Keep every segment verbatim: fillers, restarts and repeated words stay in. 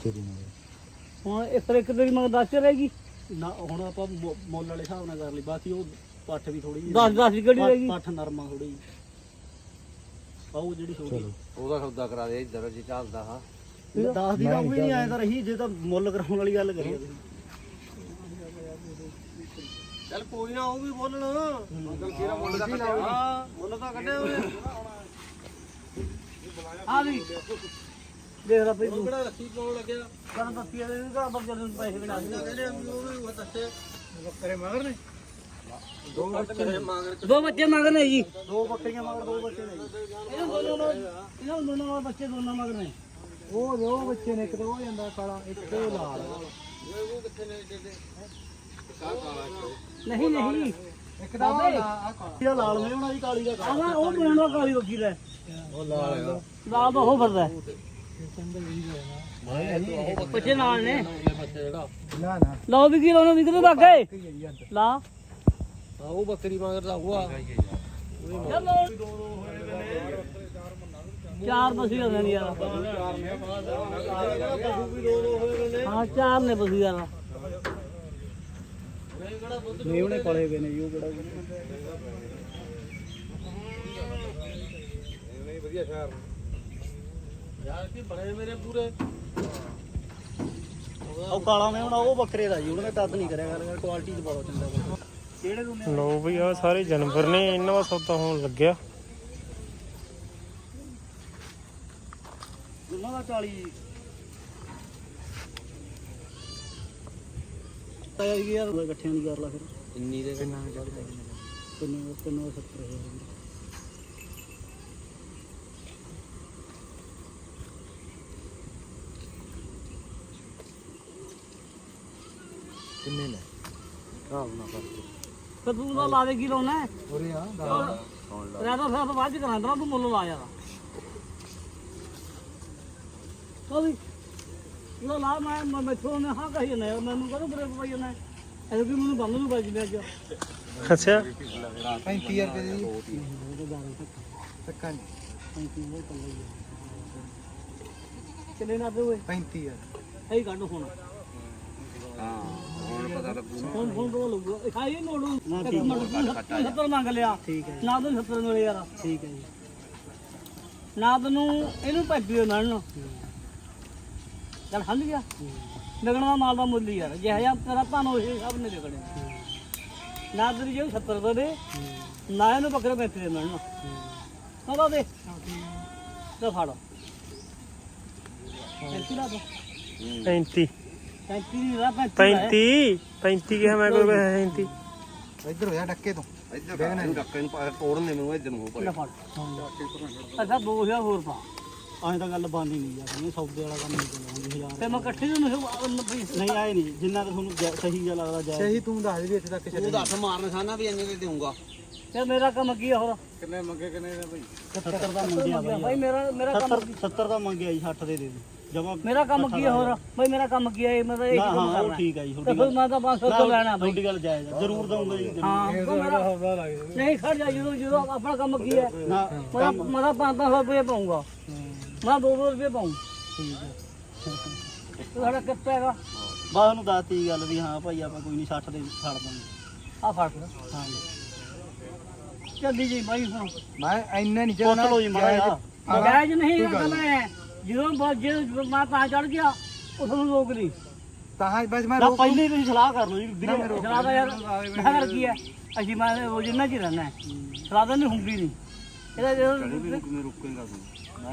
ਹੁਣ ਇਸ ਤਰ੍ਹਾਂ ਇੱਕ ਤੇਰੀ ਮਗਰ ਦਸ ਰਹੇਗੀ ਨਾ ਹੁਣ ਆਪਾਂ ਮੁੱਲ ਵਾਲੇ ਹਿਸਾਬ ਨਾਲ ਕਰ ਲਈ ਬਾਕੀ ਉਹ ਪੱਠ ਵੀ ਥੋੜੀ ਜਿਹੀ ਦਸ ਦਸ ਦੀ ਕਿਹੜੀ ਰਹੇਗੀ ਪੱਠ ਨਰਮਾ ਥੋੜੀ ਜਿਹੀ ਆਉ ਜਿਹੜੀ ਛੋਟੀ ਉਹਦਾ ਸੌਦਾ ਕਰਾ ਦੇ ਇੱਧਰ ਜੇ ਚੱਲਦਾ ਹਾਂ ਦਸ ਦੀ ਤਾਂ ਉਹ ਵੀ ਨਹੀਂ ਆਇਆ ਤਾਂ ਰਹੀ ਜੇ ਤਾਂ ਮੁੱਲ ਕਰਾਉਣ ਵਾਲੀ ਗੱਲ ਕਰੀਏ ਤੁਸੀਂ ਚੱਲ ਕੋਈ ਨਾ ਉਹ ਵੀ ਬੋਲਣ ਅੰਕਲ ਕਿਹੜਾ ਮੁੱਲ ਦਾ ਕੱਢਿਆ ਹਾਂ ਮੁੱਲ ਤਾਂ ਕੱਢਿਆ ਹੋਇਆ ਆ ਵੀ ਦੇਖ ਲੈ ਭਈ ਤੂੰ ਕਿਹੜਾ ਰੱਸੀ ਪਾਉਣ ਲੱਗਿਆ ਕਰਨ ਦੱਸੀ ਇਹਦੇ ਵੀ ਘਰ ਬੱਚੇ ਨੂੰ ਪੈਸੇ ਵੀ ਨਾ ਦੇ ਕਹਿੰਦੇ ਉਹ ਵੀ ਉਹ ਦੱਸੇ ਬੱਕਰੇ ਮਗਰ ਨੇ ਦੋ ਬੱਕਰੇ ਮੰਗ ਦੋ ਬੱਚੇ ਮਗਰ ਨੇ ਜੀ ਦੋ ਬੱਕਰੀਆਂ ਮਗਰ ਦੋ ਬੱਚੇ ਨੇ ਇਹਨਾਂ ਦੋਨੋਂ ਨੂੰ ਇਹਨਾਂ ਦੋਨੋਂ ਨਾਲ ਬੱਚੇ ਦੋਨੋਂ ਮਗਰ ਨੇ ਉਹ ਦੋ ਬੱਚੇ ਨੇ ਇੱਕ ਤਾਂ ਹੋ ਜਾਂਦਾ ਕਾਲਾ ਇੱਕ ਉਹ ਲਾਲ ਉਹ ਕਿੱਥੇ ਨੇ ਏਡੇ ਕਾ ਕਾਲਾ ਨਹੀਂ ਨਹੀਂ ਇੱਕ ਤਾਂ ਇਹ ਲਾਲ ਨੇ ਉਹਨਾਂ ਦੀ ਕਾਲੀ ਦਾ ਆਹ ਉਹ ਬਣਾਉਣਾ ਕਾਲੀ ਬੱਕੀ ਦਾ ਉਹ ਲਾਲ ਹੈਗਾ ਲਾਲ ਤਾਂ ਉਹ ਫਿਰਦਾ ਬੱਚੇ ਨਾਲ ਨੇ ਬੱਚੇ ਜਿਹੜਾ ਨਾ ਨਾ ਲਓ ਵੀ ਕੀ ਲਾਉਣਾ ਵੀ ਕਿਤੇ ਲੱਗੇ ਲਾ ਹਾਂ ਉਹ ਬੱਕਰੀ ਮੰਗਰ ਦਾ ਹੁਆ ਚਲੋ ਚਾਰ ਬਸੀ ਹੋ ਜਾਣੀ ਯਾਰ ਹਾਂ ਚਾਰ ਨੇ ਬਸੀ ਯਾਰ ਨਹੀਂ ਉਹਨੇ ਪਲੇ ਗਏ ਨੇ ਜੀ ਉਹ ਕਿਹੜਾ ਨਹੀਂ ਵਧੀਆ ਸ਼ਹਿਰ ਯਾਰ ਕੀ ਬੜੇ ਮੇਰੇ ਪੂਰੇ ਉਹ ਕਾਲਾ ਮੈਂ ਹੁਣ ਉਹ ਬੱਕਰੇ ਦਾ ਜੀ ਉਹਨਾਂ ਨੇ ਤਦ ਨਹੀਂ ਕਰਿਆ ਗੱਲ ਕੁਆਲਿਟੀ ਚ ਬਹੁਤ ਚੰਗਾ ਕਿਹੜੇ ਦੋਨੇ ਲੋ ਬਈ ਆ ਸਾਰੇ ਜਾਨਵਰ ਨੇ ਇਹਨਾਂ ਦਾ ਸੌਦਾ ਹੋਣ ਲੱਗਿਆ ਦੋਨਾਂ ਦਾ ਚਾਲੀ ਤਾਇਆ ਜੀ ਯਾਰ ਇਕੱਠਿਆਂ ਦੀ ਕਰ ਲਾ ਫਿਰ ਇੰਨੀ ਦੇ ਕਿੰਨਾ ਚੜਦਾ ਕਿੰਨਾ ਕਿੰਨਾ ਸੱਤਰ ਹਜ਼ਾਰ ਕਿੰਨੇ ਨੇ ਆਹ ਨਾ ਕਰ ਤੇ ਤੂੰ ਤਾਂ ਲਾ ਦੇ ਕੀ ਲਾਉਣਾ ਹੈ ਉਰੇ ਆ ਰਾਦਾ ਫਿਰ ਆਪਾਂ ਬਾਅਦ ਚ ਕਰਾਂਦਾ ਤੂੰ ਮੁੱਲ ਲਾ ਯਾਰ ਕੋਈ ਲੋ ਲਾ ਮੈਂ ਮੈਂ ਮੈਥੋਂ ਨੇ ਹਾਂ ਕਹੀ ਨਾ ਮੈਨੂੰ ਕਦੋਂ ਬਰੇ ਪਈ ਨਾ ਇਹ ਵੀ ਮੈਨੂੰ ਬੰਦ ਨੂੰ ਵੱਜ ਗਿਆ ਅੱਜ ਅੱਛਾ ਪੈਂਤੀ ਹਜ਼ਾਰ ਰੁਪਏ ਦੀ ਤੱਕਾਂ ਪੈਂਤੀ ਹਜ਼ਾਰ ਕੱਲਾ ਹੀ ਕਿੰਨੇ ਨਾ ਦੇ ਓਏ ਪੈਂਤੀ ਹਜ਼ਾਰ ਇਹ ਕੱਢ ਹੁਣ ਹਾਂ ਹੁਣ ਪਤਾ ਲੱਗੂ ਹੁਣ ਹੁਣ ਦੋ ਲੱਗੂ ਇਹ ਖਾਈ ਨੋੜੂ ਸੱਤਰ ਮੰਗ ਲਿਆ ਠੀਕ ਹੈ ਨਾ ਤੈਨੂੰ ਸੱਤਰ ਮਿਲੇ ਯਾਰ ਠੀਕ ਹੈ ਜੀ ਨਾ ਤੈਨੂੰ ਇਹਨੂੰ ਪੈਂਤੀ ਮਿਲਣ ਚੱਲ ਹੰਦ ਗਿਆ ਲੱਗਣ ਦਾ ਮਾਲ ਦਾ ਮੁੱਲ ਹੀ ਯਾਰ ਜਿਹੋ ਜਿਹਾ ਤੇਰਾ ਧਨ ਉਹ ਸਭ ਨੇ ਲੱਗਣੇ ਨਾ ਤੇਰੀ ਜੇ ਸੱਤਰ ਦਾ ਦੇ ਨਾ ਇਹਨੂੰ ਬੱਕਰੇ ਪੈਂਤੀ ਦੇ ਮਿਲਣ ਉਹਦਾ ਦੇ ਤੇ ਫੜ ਪੈਂਤੀ ਲਾ ਦੋ ਪੈਂਤੀ ਪੈਂਤੀ ਨਹੀਂ ਲਾ ਪੈਂਤੀ ਪੈਂਤੀ ਪੈਂਤੀ ਕਿਹਾ ਮੈਂ ਕੋਈ ਪੈਂਤੀ ਇੱਧਰ ਹੋ ਜਾ ਡੱਕੇ ਤੋਂ ਇੱਧਰ ਇਹਨੂੰ ਡੱਕੇ ਨੂੰ ਪਾ ਤੋੜਨ ਦੇ ਮੈਨੂੰ ਇੱਧਰ ਨੂੰ ਹੋ ਲੈ ਫੜ ਅੱਛਾ ਦੋ ਹਜ਼ਾਰ ਹੋਰ ਪਾ ਐਂ ਤਾਂ ਗੱਲ ਬੰਦ ਹੀ ਨਹੀਂ ਯਾਰ ਇਹ ਸੌਦੇ ਵਾਲਾ ਕੰਮ ਨਹੀਂ ਚੱਲਦਾ ਹਜ਼ਾਰ ਤੇ ਮੈਂ ਇਕੱਠੇ ਨੂੰ ਨਹੀਂ ਆਏ ਨਹੀਂ ਜਿੰਨਾ ਤਾਂ ਤੁਹਾਨੂੰ ਜੈ- ਸਹੀ ਜਿਹਾ ਲੱਗਦਾ ਜਾਇਜ਼ ਸਹੀ ਤੂੰ ਦੱਸ ਵੀ ਇੱਥੇ ਤੱਕ ਉਹ ਦੱਸ ਮਾਰਨ ਖਾਨਾ ਵੀ ਇੰਨੇ ਦੇ ਦੇਊਂਗਾ ਤੇ ਮੇਰਾ ਕੰਮ ਕੀ ਆ ਹੋਰ ਕਿੰਨੇ ਮੰਗੇ ਕਿੰਨੇ ਦੇ ਭਾਈ ਸੱਤਰ ਦਾ ਮੰਗਿਆ ਬਾਈ ਭਾਈ ਮੇਰਾ ਮੇਰਾ ਕੰਮ ਸੱਤਰ ਸੱਤਰ ਦਾ ਮੰਗਿਆ ਜੀ ਸੱਠ ਦੇ ਦੇ ਦੇ ਜਮਾ ਮੇਰਾ ਕੰਮ ਕੀ ਆ ਹੋਰ ਭਾਈ ਮੇਰਾ ਕੰਮ ਕੀ ਆ ਇਹ ਮੈਂ ਤਾਂ ਇਹ ਨਾ ਕੰਮ ਹਾਂ ਉਹ ਕਰਨਾ ਠੀਕ ਹੈ ਜੀ ਤੇ ਤੁਹਾਡੀ ਫਿਰ ਗੱਲ ਮੈਂ ਤਾਂ ਪੰਜ ਸੌ ਤੋਂ ਲੈਣਾ ਭਾਈ ਤੁਹਾਡੀ ਗੱਲ ਜਾਇਜ਼ ਆ ਜ਼ਰੂਰ ਦਊਂਗਾ ਜੀ ਜ਼ਰੂਰ। ਹਾਂ ਉਹ ਮੇਰਾ ਨਹੀਂ ਖੜ ਜਾ ਜਦੋਂ ਜਦੋਂ ਆਪਣਾ ਕੰਮ ਕੀ ਹੈ ਨਾ ਮੈਂ ਮੈਂ ਤਾਂ ਪੰਜ ਸੌ ਰੁਪਏ ਪਾਉਂਗਾ ਮੈਂ ਦੋ ਸੌ ਰੁਪਏ ਪਾਉਂ ਠੀਕ ਹੈ ਤੁਹਾਡਾ ਕਿੱਤਾ ਹੈਗਾ ਬਸ ਉਹਨੂੰ ਦੱਸਤੀ ਗੱਲ ਵੀ ਹਾਂ ਭਾਈ ਆਪਾਂ ਕੋਈ ਨਹੀਂ ਸੱਠ ਦੇ ਛੱਡ ਦਾਂਗੇ ਆ ਫੜ ਹਾਂ ਚੱਲੀ ਜੀ ਭਾਈ ਹੁਣ ਮੈਂ ਇੰਨਾ ਨਹੀਂ ਚੱਲਣਾ ਲੋ ਜੀ ਮਾਰਾ ਜਾਇਜ਼ ਨਹੀਂ ਇਹ ਗੱਲ ਹੈ ਜਦੋਂ ਬ- ਜੇ ਮੈਂ ਤਾਂ ਚੜ ਗਿਆ ਉਸ ਨੂੰ ਰੋਕ ਲਈ ਤਾਂ ਬਸ ਮੈਂ ਪਹਿਲੇ ਤੁਸੀਂ ਸਲਾਹ ਕਰ ਲਓ ਜੀ ਵੀਰੇ ਸਲਾਹ ਦਾ ਯਾਰ ਮੈਂ ਕਰ ਕੀ ਹੈ ਅਸੀਂ ਮੈਂ ਰੋਜ਼ ਇਹਨਾਂ ਚ ਹੀ ਰਹਿਣਾ ਹੈ ਸਲਾਹ ਤਾਂ ਨਹੀਂ ਹੁੰਦੀ ਨਹੀਂ ਇਹਦਾ ਜਦੋਂ ਕਿਵੇਂ ਰੁਕੇਗਾ ਤੂੰ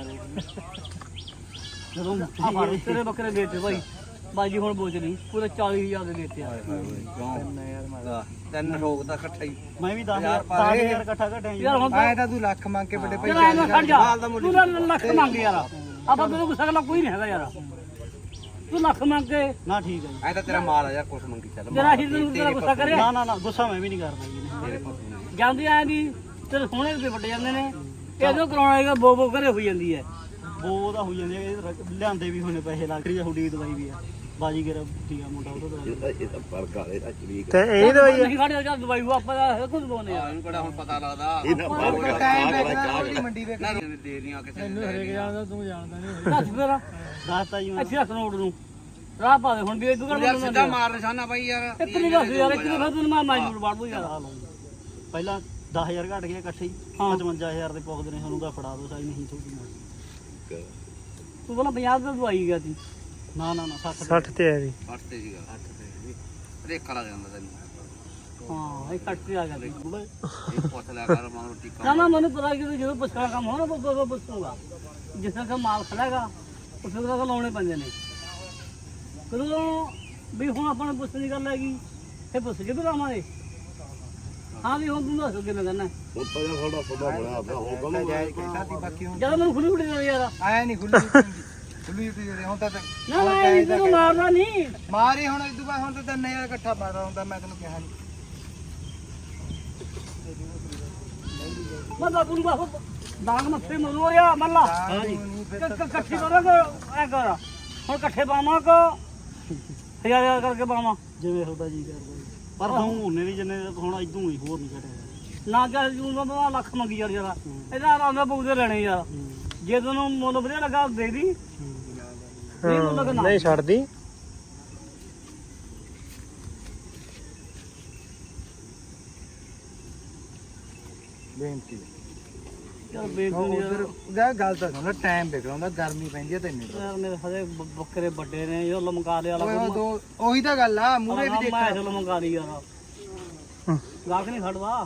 ਜਦੋਂ ਆ ਫੜ ਤੇਰੇ ਬੱਕਰੇ ਦੇਤੇ ਭਾਈ ਬਾਜੀ ਹੁਣ ਬੋਝ ਲਈ ਪੂਰੇ ਚਾਲੀ ਹਜ਼ਾਰ ਦੇ ਦੇਤੇ ਆ ਕਿਉਂ ਤਿੰਨ ਰੋਗ ਦਾ ਇਕੱਠਾ ਹੀ ਮੈਂ ਵੀ ਦਸ ਹਜ਼ਾਰ ਇਕੱਠਾ ਘਟਿਆ ਜੀ ਯਾਰ ਹੁਣ ਆਏ ਤਾਂ ਤੂੰ ਲੱਖ ਮੰਗ ਕੇ ਵੱਡੇ ਚਲ ਐਂ ਖੜ ਜਾ ਤੂੰ ਨਾ ਲੱਖ ਮੰਗ ਯਾਰ ਆਪਾਂ ਤੈਨੂੰ ਗੁੱਸਾ ਕਰਨਾ ਕੋਈ ਨਹੀਂ ਹੈਗਾ ਯਾਰ ਤੂੰ ਲੱਖ ਮੰਗ ਕੇ ਨਾ ਠੀਕ ਹੈ ਜੀ ਐ ਤਾਂ ਤੇਰਾ ਮਾਲ ਆ ਯਾਰ ਕੁਛ ਮੰਗੀ ਚੱਲ ਤੇਰਾ ਹੀ ਤੈਨੂੰ ਤੇਰਾ ਗੁੱਸਾ ਕਰਿਆ ਨਾ ਨਾ ਨਾ ਗੁੱਸਾ ਮੈਂ ਵੀ ਨਹੀਂ ਕਰਦਾ ਜੀ ਤੇਰੇ ਪਸ਼ੂ ਨੇ ਜਾਂਦੀ ਆਏ ਦੀ ਤੇਰੇ ਸੋਹਣੇ ਰੁਪਏ ਵੱਟ ਜਾਂਦੇ ਨੇ ਇਹਦੋਂ ਕਰਾਉਣਾ ਹੈਗਾ ਬੋ ਬੋ ਘਰੇ ਹੋਈ ਜਾਂਦੀ ਹੈ ਬੋ ਦਾ ਹੋ ਜਾਂਦੇ ਲਿਆਂਦੇ ਵੀ ਹੋਣੇ ਪੈਸੇ ਲੱਗ ਰਹੀ ਹੈ ਹੁੱਡੀ ਦਵਾਈ ਵੀ ਆ ਬਾਜੀ ਗੇਰਾ ਟੀਆ ਮੁੰਡਾ ਉਹਦਾ ਦਵਾਈ ਇਹ ਤਾਂ ਫਰਕ ਆ ਇਹਦਾ ਸ਼ਰੀਕ ਤੇ ਇਹ ਦਵਾਈ ਆ ਨਹੀਂ ਖੜੇ ਜਾਂ ਦਵਾਈ ਉਹ ਆਪਾਂ ਕੁਝ ਦਵਾਉਨੇ ਆ ਇਹਨੂੰ ਕਿਹੜਾ ਹੁਣ ਪਤਾ ਲੱਗਦਾ ਇਹ ਤਾਂ ਫਰਕ ਆ ਟਾਈਮ ਚਾਹ ਵੇਖਣਾ ਚਾਹ ਉਹਦੀ ਮੰਡੀ ਵੇਖਣਾ ਦੇ ਦੀਆਂ ਕਿਸੇ ਨੇ ਹਰੇਕ ਜਾਣਦਾ ਤੂੰ ਜਾਣਦਾ ਨਹੀਂ ਦੱਸ ਫੇਰ ਦੱਸਤਾ ਜੀ ਅੱਛਾ ਰੋਡ ਨੂੰ ਰਾਹ ਪਾ ਦੇ ਹੁਣ ਵੀ ਤੂੰ ਯਾਰ ਸਿੱਧਾ ਮਾਰ ਨਿਸ਼ਾਨਾ ਬਾਈ ਯਾਰ ਇੱਕ ਨਹੀਂ ਦੱਸ ਯਾਰ ਇੱਕ ਨਹੀਂ ਫਿਰ ਤੈਨੂੰ ਮੈਂ ਮਾਜੂਰ ਬਾੜ ਦੂੰ ਯਾਰ ਪਹਿਲਾਂ ਦਸ ਹਜ਼ਾਰ ਘਟ ਗਿਆ ਇਕੱਠੇ ਹੀ ਪਚਵੰਜਾ ਹਜ਼ਾਰ ਦੇ ਪੁੱਗਦੇ ਨੇ ਸਾਨੂੰ ਤਾਂ ਫੜਾ ਦੋ ਸਾਈ ਨਹੀਂ ਥੋੜੀ ਤੂੰ ਬੋਲਾ ਪੰਜਾਹ ਦਾ ਦਵਾਈ ਗਿਆ ਸੀ ਨਾ ਨਾ ਨਾ ਸੱਠ ਸੱਠ ਤੇ ਆ ਜੀ ਅੱਠ ਤੇ ਸੀਗਾ ਅੱਠ ਤੇ ਰੇਖਾ ਲੱਗ ਜਾਂਦਾ ਤੈਨੂੰ ਹਾਂ ਇਹ ਕੱਟ ਕੇ ਆ ਗਿਆ ਸੀ ਇਹ ਪੁੱਛ ਲਿਆ ਕਰ ਮਾਂ ਰੋਟੀ ਨਾ ਨਾ ਮੈਨੂੰ ਪਤਾ ਕਿ ਜਦੋਂ ਪੁੱਛਣਾ ਕੰਮ ਹੋਣਾ ਉਹ ਉਹ ਪੁੱਛੂਗਾ ਜਿਸ ਤਰ੍ਹਾਂ ਮਾਲ ਖੜਾਗਾ ਉਸ ਤਰ੍ਹਾਂ ਲਾਉਣੇ ਪੈਂਦੇ ਨੇ ਕਦੋਂ ਵੀ ਹੁਣ ਆਪਾਂ ਨੂੰ ਪੁੱਛਣ ਦੀ ਗੱਲ ਹੈਗੀ ਇਹ ਪੁੱਛ ਕੇ ਬੁਲਾਵਾਂਗੇ ਹਾਂ ਵੀ ਹੁਣ ਤੂੰ ਦੱਸ ਕਿਵੇਂ ਕਰਨਾ ਹੁਣ ਤਾਂ ਯਾਰ ਸਾਡਾ ਸੌਦਾ ਬਣਿਆ ਪਿਆ ਹੋ ਕੰਮ ਜਾਇਜ਼ ਕਹਿਤਾ ਸੀ ਬਾਕੀ ਹੁਣ ਜਦੋਂ ਮੈਨੂੰ ਖੁੱਲੀ ਖੁੱਲੀ ਦੇ ਯਾਰ ਆਇਆ ਨਹੀਂ ਖੁੱਲੀ ਖੁੱਲੀ ਤੇ ਹੁਣ ਤਾਂ ਨਾ ਨਾ ਇਹ ਤੈਨੂੰ ਮਾਰਨਾ ਨਹੀਂ ਮਾਰੇ ਹੁਣ ਇਦੋਂ ਬਾਅਦ ਹੁਣ ਤਾਂ ਤਿੰਨ ਹਜ਼ਾਰ ਇਕੱਠਾ ਮਾਰਦਾ ਹੁੰਦਾ ਮੈਂ ਤੈਨੂੰ ਕਿਹਾ ਨਹੀਂ ਮੈਂ ਬਾਪੂ ਨੂੰ ਬਾਪੂ ਦਾਗ ਮੱਥੇ ਮਰੋ ਯਾ ਮੱਲਾ ਹਾਂਜੀ ਇਕੱਠੀ ਕਰਾਂਗੇ ਐ ਕਰ ਹੁਣ ਇਕੱਠੇ ਪਾਵਾਂ ਕੋ ਹਜ਼ਾਰ ਹਜ਼ਾਰ ਕਰਕੇ ਪਾਵਾਂ ਜਿਵੇਂ ਤੁਹਾਡਾ ਜੀ ਕਰਦਾ ਜੀ। ਪਰ ਦਊਂ ਉਹਨੇ ਵੀ ਜਿੰਨੇ ਹੁਣ ਇਦੋਂ ਹੀ ਹੋਰ ਨਹੀਂ ਘਟਿਆ ਨਾ ਚੱਲ ਜੂਨ ਦਾ ਲੱਖ ਮੰਗੀ ਯਾਰ ਜਰਾ ਇਹਦਾ ਆਰਾਮ ਨਾਲ ਬੂਦੇ ਲੈਣੇ ਯਾਰ ਜੇ ਤੈਨੂੰ ਮੁੱਲ ਵਧੀਆ ਲੱਗਾ ਦੇ ਦੀ ਨਹੀਂ ਮੁੱਲ ਲੱਗਾ ਨਾ ਨਹੀਂ ਛੱਡਦੀ ਬੇਨਤੀ ਚੱਲ ਬੇਗੁਨ ਯਾਰ ਉਹਦਾ ਗੱਲ ਤਾਂ ਸੁਣ ਟਾਈਮ ਵੇਖ ਲਾਉਂਦਾ ਗਰਮੀ ਪੈਂਦੀ ਹੈ ਤੈਨੂੰ ਯਾਰ ਮੇਰੇ ਹਜੇ ਬ- ਬੱਕਰੇ ਵੱਡੇ ਨੇ ਇਹ ਲਮਕਾ ਲਿਆ ਓਏ ਉਹ ਦੋ ਉਹੀ ਤਾਂ ਗੱਲ ਆ ਮੂਰੇ ਵੀ ਦੇਖ ਮੈਂ ਚਲੋ ਲਮਕਾ ਲਈ ਯਾਰ ਗਾਹਕ ਨਹੀਂ ਖੜਦਾ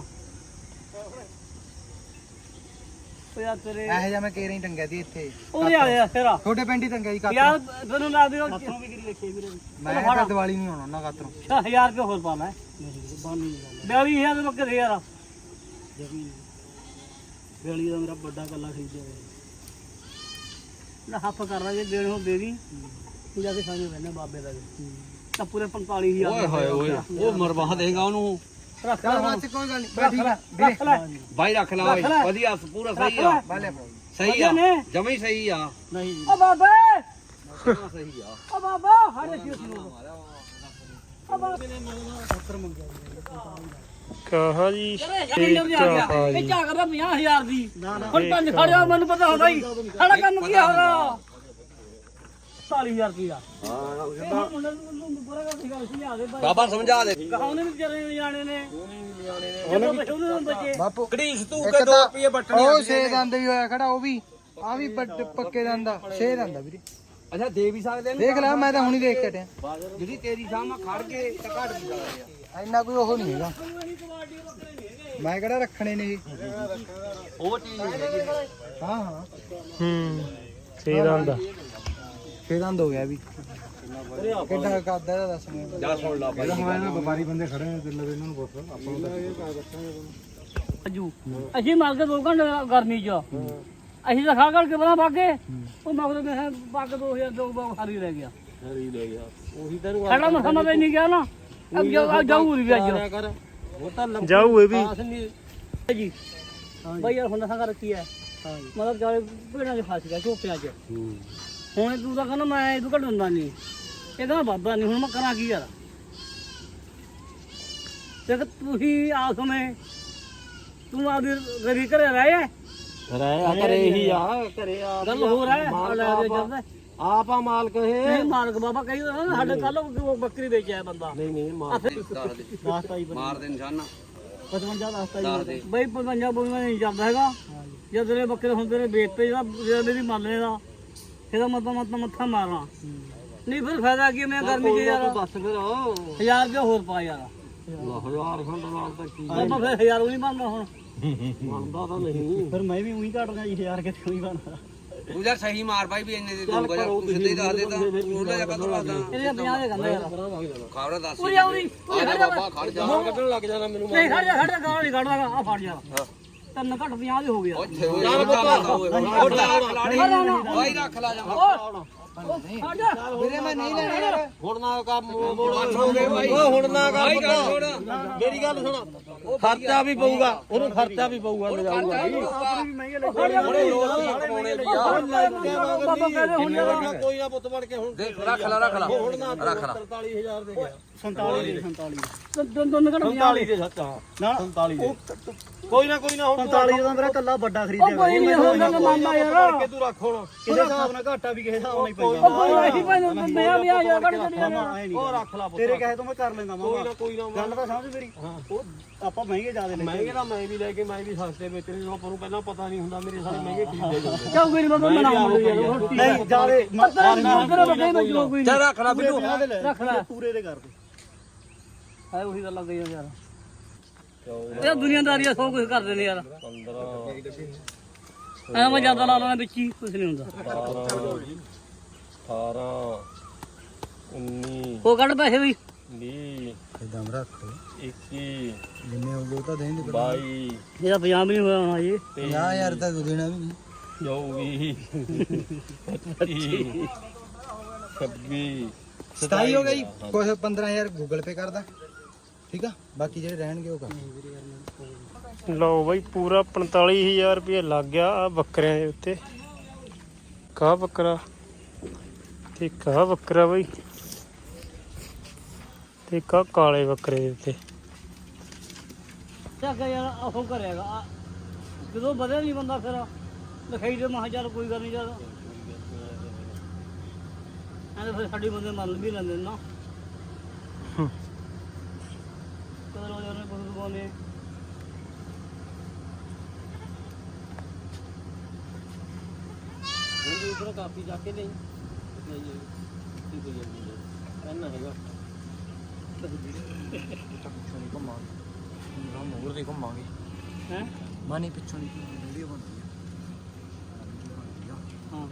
ਉਹ ਯਾਰ ਤੇਰੇ ਇਹੋ ਜਿਹਾ ਮੈਂ ਕੇਰੇ ਹੀ ਟੰਗਿਆ ਸੀ ਇੱਥੇ ਉਹਦੇ ਆ ਗਿਆ ਫੇਰਾ ਛੋਟੇ ਪਿੰਡ ਹੀ ਟੰਗਿਆ ਸੀ ਕਾਤੋਂ ਯਾਰ ਤੈਨੂੰ ਲਾ ਦਿਓ ਵੀ ਕਿਹੜੀ ਲਿਖੀ ਵੀਰੇ ਮੈਂ ਤਾਂ ਦੀਵਾਲੀ ਨਹੀਂ ਆਉਣਾ ਉਹਨਾਂ ਕਾਤੋਂ ਹਜ਼ਾਰ ਰੁਪਏ ਹੋਰ ਪਾ ਲੈ ਨਹੀਂ ਬਾਨੀ ਗੱਲ ਬਿਆਲੀ ਹਜ਼ਾਰ ਦੇ ਬੱਕਰੇ ਯਾਰ ਜਮੀ ਬੇਲੀ ਦਾ ਮੇਰਾ ਵੱਡਾ ਕੱਲਾ ਖਰੀਦਿਆ ਹੋਇਆ ਨਾ ਹੱਫ ਕਰ ਲਾ ਜੇ ਦੇਣ ਹੋ ਦੇ ਦੀ ਤੂੰ ਜਾ ਕੇ ਸਾਹਮਣੇ ਬੈਠਣਾ ਬਾਬੇ ਦਾ ਵੀ ਤਾਂ ਪੂਰੇ ਪੰਤਾਲੀ ਹਜ਼ਾਰ ਓਏ ਹੋਏ ਓਏ ਉਹ ਮਰਵਾ ਦੇਗਾ ਉਹਨੂੰ ਰੱਖ ਚੱਲ ਲੈ ਬਾਅਦ ਚ ਕੋਈ ਗੱਲ ਨਹੀਂ ਠੀਕ ਆ ਰੱਖ ਲੈ ਬਾਈ ਰੱਖ ਲਾ ਓਏ ਵਧੀਆ ਪੂਰਾ ਸਹੀ ਆ ਬਾਲੇ ਸਹੀ ਆ ਜਮਾ ਹੀ ਸਹੀ ਆ ਨਹੀਂ ਜੀ ਓ ਬਾਬੇ ਜਮਾਂ ਸਹੀ ਆ ਓ ਬਾਬਾ ਹਾੜੇ ਸੀ ਓ ਬਾਬੇ ਨੇ ਸੱਤਰ ਮੰਗਿਆ ਕਹਾ ਜੀ ਇਹ ਝਾਕ ਕਰਦਾ ਪੰਜਾਹ ਹਜ਼ਾਰ ਦੀ ਹੁਣ ਪੰਜ ਖੜਿਆ ਮੈਨੂੰ ਪਤਾ ਹੁੰਦਾ ਹੀ ਸਾਡਾ ਕੰਮ ਕੀ ਹੋ ਰਿਹਾ ਚਾਲੀ ਹਜ਼ਾਰ ਰੁਪਇਆ ਹਾਂ ਮੁੰਡੇ ਨੂੰ ਬੁਰਾ ਕਰ ਸੀਗਾ ਸੀ ਆ ਦੇ ਭਾਈ ਬਾਬਾ ਸਮਝਾ ਦੇ ਕਹਾਉਣੇ ਵੀ ਵਿਚਾਰੇ ਜਾਣੇ ਨੇ ਉਹਨੇ ਵੀ ਉਹਨੇ ਬੱਚੇ ਬਾਪੂ ਕੜੀਸ ਤੂੰ ਇੱਕ ਕੇ ਦੋ ਤਾਂ ਰੁਪਏ ਬੱਟਣੇ ਉਹ ਛੇ ਦੰਦ ਵੀ ਹੋਇਆ ਖੜਾ ਉਹ ਵੀ ਆ ਵੀ ਵੱਡ- ਪੱਕੇ ਦੰਦ ਆ ਛੇ ਦੰਦ ਆ ਵੀਰੇ ਅੱਛਾ ਦੇ ਵੀ ਸਕਦੇ ਨੇ ਦੇਖ ਲੈ ਮੈਂ ਤਾਂ ਹੁਣੀ ਦੇਖ ਕੇ ਹਟਿਆ ਜਿਹੜੀ ਤੇਰੀ ਸਾਹਮਣੇ ਖੜ ਕੇ ਤਾਂ ਘੱਟ ਵੀ ਸਕਦੇ ਆ ਇੰਨਾ ਕੋਈ ਉਹ ਨਹੀਂ ਹੈਗਾ ਮੈਂ ਕਿਹੜਾ ਰੱਖਣੇ ਨੇ ਇਹ ਉਹ ਚੀਜ਼ ਨਹੀਂ ਹੈਗੀ ਹਾਂ ਹਾਂ ਹੂੰ ਸਹੀ ਦਾ ਛੇ ਦੰਦ ਹੋ ਗਿਆ ਵੀ ਕਿੱਡਾ ਕਰਦਾ ਇਹਦਾ ਦੱਸ ਮੈਨੂੰ ਜਾ ਸੁਣ ਲਾ ਬਾਈ ਵਪਾਰੀ ਬੰਦੇ ਖੜੇ ਨੇ ਦਿਲ ਇਹਨਾਂ ਨੂੰ ਪੁੱਛ ਆਪਾਂ ਨੂੰ ਅਜੂ ਅਸੀਂ ਮਾਰ ਕੇ ਦੋ ਘੰਟੇ ਗਰਮੀ ਚ ਅਸੀਂ ਤਾਂ ਖਾ ਖੜ ਕੇ ਬਣਾ ਬਾਗੇ ਉਹ ਮਗਰ ਮੈਂ ਪੱਗ ਦੋ ਹਜ਼ਾਰ ਦੋ ਬਾਗ ਖਾਰੀ ਰਹਿ ਗਿਆ ਹਰੀ ਲੈ ਗਿਆ ਉਹੀ ਤੈਨੂੰ ਸਾਡਾ ਮੈਂ ਸਮਝ ਨਹੀਂ ਗਿਆ ਨਾ ਅੱਗੇ ਜਾਊ ਵੀ ਅੱਜ ਕਰ ਉਹ ਤਾਂ ਜਾਊ ਇਹ ਵੀ ਨਹੀਂ ਜੀ ਬਾਈ ਯਾਰ ਹੁਣ ਸਾਂ ਰੱਖੀ ਹੈ ਮਤਲਬ ਜਾਲੇ ਭੇੜਾਂ ਦੇ ਫਸ ਗਿਆ ਝੋਪਿਆਂ ਚ ਹੁਣ ਤੂੰ ਤਾਂ ਕਹਿੰਦਾ ਮੈਂ ਇਹਨੂੰ ਘੱਟ ਹੁੰਦਾ ਨਹੀਂ ਇਹ ਕਹਿੰਦਾ ਬਾਬਾ ਨਹੀਂ ਹੁਣ ਮੈਂ ਕਰਾਂ ਕੀ ਯਾਰ ਤੇ ਤੁਸੀਂ ਆ ਸਮੇਂ ਤੂੰ ਆਪਦੀ ਗਰੀ ਘਰੇ ਰਹੇ ਰਹਿ ਕਰੇ ਇਹੀ ਆ ਘਰੇ ਆ ਗੱਲ ਹੋ ਰਿਹਾ ਹੈ ਲੈ ਦੇ ਜਦ ਆਪਾ ਮਾਲਕ ਇਹ ਨਹੀਂ ਮਾਲਕ ਬਾਬਾ ਕਹੀ ਨਾ ਸਾਡੇ ਕੱਲ ਬੱਕਰੀ ਵੇਚਿਆ ਬੰਦਾ ਨਹੀਂ ਨਹੀਂ ਮਾਰ ਦਸਤਾ ਜੀ ਮਾਰ ਦੇ ਨਿਸ਼ਾਨਾ ਪਚਵੰਜਾ ਦਸਤਾ ਦੱਸ ਜੀ ਦੇ ਬਈ ਪੰਜਾਂ ਬੋਲੀਆਂ ਨਹੀਂ ਚੱਲਦਾ ਹੈਗਾ ਜਦ ਤੇਰੇ ਬੱਕਰੇ ਹੁੰਦੇ ਨੇ ਵੇਚਤੇ ਜਿਹੜਾ ਜਿਹੜਾ ਮੇਰੀ ਮੰਨ ਦਾ ਇਹਦਾ ਮਤਲਬ ਮਤਲਬ ਮੱਥਾ ਮਾਰਨਾ ਨਹੀਂ ਫਿਰ ਫਾਇਦਾ ਕੀ ਮੈਂ ਗਰਮੀ ਚ ਯਾਰ ਦੱਸ ਫਿਰ ਹਜ਼ਾਰ ਰੁਪਏ ਹੋਰ ਪਾ ਯਾਰ ਹਜ਼ਾਰ ਖੰਡ ਨਾਲ ਤਾਂ ਕੀ ਆਪਾਂ ਫਿਰ ਹਜ਼ਾਰ ਉਹ ਨਹੀਂ ਬਣਦਾ ਹੁਣ ਬਣਦਾ ਤਾਂ ਨਹੀਂ ਫਿਰ ਮੈਂ ਵੀ ਉਹੀ ਘਟ ਗਿਆ ਜੀ ਹਜ਼ਾਰ ਕਿਤੇ ਉਹੀ ਬਣਦਾ ਤੂੰ ਯਾਰ ਸਹੀ ਮਾਰ ਬਾਈ ਵੀ ਇੰਨੇ ਦੇ ਦੂੰਗਾ ਯਾਰ ਤੂੰ ਸਿੱਧੇ ਹੀ ਦੱਸ ਦੇ ਤਾਂ ਉਹਦਾ ਜਗ੍ਹਾ ਤੋਂ ਦੱਸਦਾ ਇਹਦੇ ਪੰਜਾਹ ਦੇ ਕਹਿੰਦਾ ਯਾਰ ਖਬਰ ਦੱਸ ਪੂਰੀ ਆਉਣੀ ਆ ਜਾ ਬਾਬਾ ਖੜ ਜਾ ਕੱਢਣ ਲੱਗ ਜਾਣਾ ਮੈਨੂੰ ਨਹੀਂ ਖੜ ਜਾ ਖੜ ਜਾ ਗਾਲ ਨਹੀਂ ਕੱਢਦਾ ਆ ਫੜ ਜਾ ਤਿੰਨ ਘੱਟ ਪੰਜਾਹ ਦੇ ਹੋ ਗਿਆ ਓਏ ਯਾਰ ਬੱਬਾ ਉਹ ਲਾ ਖਲਾੜੀ ਓਏ ਰੱਖ ਲਾ ਜਾ ਆਪਾਂ ਨਹੀਂ ਵੀਰੇ ਮੈਂ ਨਹੀਂ ਲੈਣਾ ਯਾਰ ਹੁਣ ਨਾ ਕੰਮ ਮੋੜ ਹੋ ਗਏ ਭਾਈ ਓ ਹੁਣ ਨਾ ਕਰ ਪੁੱਤ ਮੇਰੀ ਗੱਲ ਸੁਣ ਖਰਚਾ ਵੀ ਪਊਗਾ ਉਹਨੂੰ ਖਰਚਾ ਵੀ ਪਊਗਾ ਲਿਜਾਊਗਾ ਆਪਣੀ ਵੀ ਮਹਿੰਗੇ ਲੈ ਬੜੇ ਲੋਕ ਕਮਾਉਣੇ ਲਈ ਆ ਬਾਬਾ ਕਹਿੰਦੇ ਹੁਣ ਯਾਰ ਕੋਈ ਨਾ ਪੁੱਤ ਬਣ ਕੇ ਹੁਣ ਰੱਖ ਲੈ ਰੱਖ ਲੈ ਹੁਣ ਨਾ ਤਰਤਾਲੀ ਹਜ਼ਾਰ ਦੇ ਗਿਆ ਸੰਤਾਲੀ ਦੇ ਸੰਤਾਲੀ ਦੋਨ ਦੋਨ ਘੜ ਸੰਤਾਲੀ ਦੇ ਸੱਚ ਹਾਂ ਨਾ ਸੰਤਾਲੀ ਦੇ ਕੋਈ ਨਾ ਕੋਈ ਨਾ ਹੁਣ ਸੰਤਾਲੀ ਦਾ ਮੇਰਾ ਕੱਲਾ ਵੱਡਾ ਖਰੀਦਿਆ ਕੋਈ ਨਹੀਂ ਹੁੰਦਾ ਮਾਮਾ ਯਾਰ ਕੇ ਤੂੰ ਰੱਖ ਹੁਣ ਕਿਸੇ ਹਿਸਾਬ ਨਾਲ ਘਾਟਾ ਵੀ ਕਿਸੇ ਹਿਸਾਬ ਨਾਲ ਹੀ ਉਹ ਪੈਂਦਾ ਕੋਈ ਨਹੀਂ ਭਾਈ ਮੈਂ ਵੀ ਆ ਜਾ ਘੜ ਘੜ ਐ ਨਹੀਂ ਉਹ ਰੱਖ ਲਾ ਪੁੱਤ ਤੇਰੇ ਕਹੇ ਤੋਂ ਮੈਂ ਕਰ ਲੈਂਦਾ ਕੋਈ ਨਾ ਮਾਮਾ ਕੋਈ ਨਾ ਗੱਲ ਤਾਂ ਸਮਝ ਮੇਰੀ ਉਹ ਆਪਾਂ ਮਹਿੰਗੇ ਜ਼ਿਆਦੇ ਲੈ ਮਹਿੰਗੇ ਤਾਂ ਮੈਂ ਵੀ ਲੈ ਕੇ ਮੈਂ ਵੀ ਸਸਤੇ ਵੇਚਣੇ ਆਪਾਂ ਨੂੰ ਪਹਿਲਾਂ ਪਤਾ ਨਹੀਂ ਹੁੰਦਾ ਮੇਰੇ ਸਾਰੇ ਮਹਿੰਗੇ ਖਰੀਦੇ ਜਾਂਦੇ ਕਿਉਂ ਮੇਰੀ ਬਾਬਾ ਮਨਾ ਮੁੰਡੇ ਯਾਰ ਨਹੀਂ ਜ਼ਿਆਦੇ ਪਤਾ ਨਹੀਂ ਮੁੰਡੇ ਬੱਗੇ ਮੈਂ ਜੋ ਕੋਈ ਚੱਲ ਰੱਖ ਲੈ ਬਿੱਟੂ ਰੱਖ ਲੈ ਪੂਰੇ ਦੇ ਕਰ ਦੇ ਹੈ ਉਹੀ ਗੱਲਾਂ ਕਹੀਆਂ ਯਾਰ ਇਹ ਦੁਨੀਆਦਾਰੀ ਆ ਸਭ ਕੁਝ ਕਰਦੇ ਨੇ ਯਾਰ ਐ ਮੈਂ ਜਿਆਦਾ ਲਾ ਲੈਣਾ ਵਿੱਚ ਹੀ ਕੁਝ ਨਹੀਂ ਹੁੰਦਾ ਅਠਾਰਾਂ ਉੱਨੀ ਉਹ ਕੱਢ ਪੈਸੇ ਵੀ ਵੀਹ ਇਦਾਂ ਰੱਖ ਇੱਕੀ ਜਿੰਨੇ ਹੋ ਗਏ ਉਹ ਤਾਂ ਦੇਣ ਦੇ ਬਾਈ ਇਹਦਾ ਪਜਾਮ ਨਹੀਂ ਹੋਇਆ ਹੋਣਾ ਜੀ ਪੰਜਾਹ ਹਜ਼ਾਰ ਤਾਂ ਦੇਣਾ ਵੀ ਨਹੀਂ ਚੌਵੀ ਪੱਚੀ ਛੱਬੀ ਸਤਾਈ ਹੋ ਗਈ ਕੁਛ ਪੰਦਰਾਂ ਹਜ਼ਾਰ ਗੂਗਲ ਪੇ ਕਰਦਾ ਠੀਕ ਆ ਬਾਕੀ ਜਿਹੜੇ ਰਹਿਣਗੇ ਉਹ ਕਰ ਲਓ ਬਾਈ ਪੂਰਾ ਪੰਤਾਲੀ ਹਜ਼ਾਰ ਰੁਪਏ ਲੱਗ ਗਿਆ ਆ ਬੱਕਰਿਆਂ ਦੇ ਉੱਤੇ ਕਾ ਬੱਕਰਾ ਤੇ ਕਾ ਬੱਕਰਾ ਬਾਈ ਤੇ ਕਾ ਕਾਲੇ ਬੱਕਰੇ ਦੇ ਉੱਤੇ ਚੱਕ ਯਾਰ ਉਹ ਕਰੇਗਾ ਜਦੋਂ ਵਧਿਆ ਨਹੀਂ ਬੰਦਾ ਫਿਰ ਲਿਖਾਈ ਦੇ ਮਹਾ ਚੱਲ ਕੋਈ ਗੱਲ ਨਹੀਂ ਯਾਰ ਐਂ ਫਿਰ ਸਾਡੀ ਬੰਦੇ ਮੰਨ ਵੀ ਲੈਂਦੇ ਨੇ ਨਾ ਕਦਰ ਹੋ ਜਾਣੇ ਕੁਝ ਬੋਲੇ ਉਹਦੇ ਉੱਪਰ ਕਾਪੀ ਜਾ ਕੇ ਨਹੀਂ ਕੀ ਕੋਈ ਇਹਨਾਂ ਹੈਗਾ ਮੋਰ ਦੇ ਘੁੰਮਾਂਗੇ ਹੈ ਮਾਨੀ ਪਿੱਛੋਂ ਦੀ ਵੀਡੀਓ ਬਣਦੀ ਆ ਹਾਂ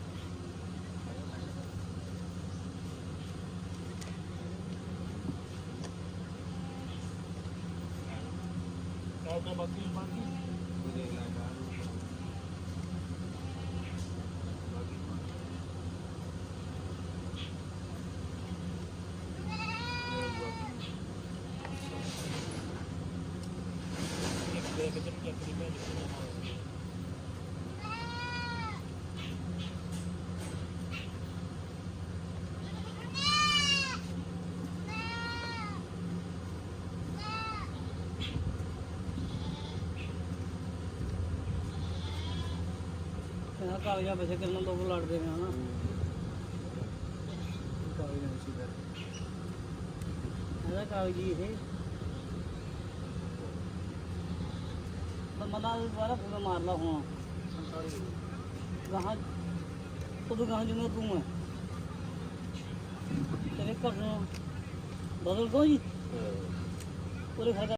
ਇਹਨਾਂ ਕਾਗਜ਼ਾਂ ਪਿੱਛੇ ਕਿੰਨਾ ਲੋਕ ਲੜਦੇ ਨੇ ਹਨਾ ਇਹਦਾ ਕਾਗਜ਼ੀ ਇਹ ਬੰਦਾ ਦੁਬਾਰਾ ਪੂਰਾ ਮਾਰ ਲਾ ਹੁਣ ਗਾਹਾਂ ਤੂੰ ਗਾਹਾਂ ਜਿਵੇਂ ਤੂੰ ਹੈ ਤੇਰੇ ਘਰ ਨੂੰ ਬਦਲ ਦੋ ਜੀ ਪੂਰੇ ਘਰ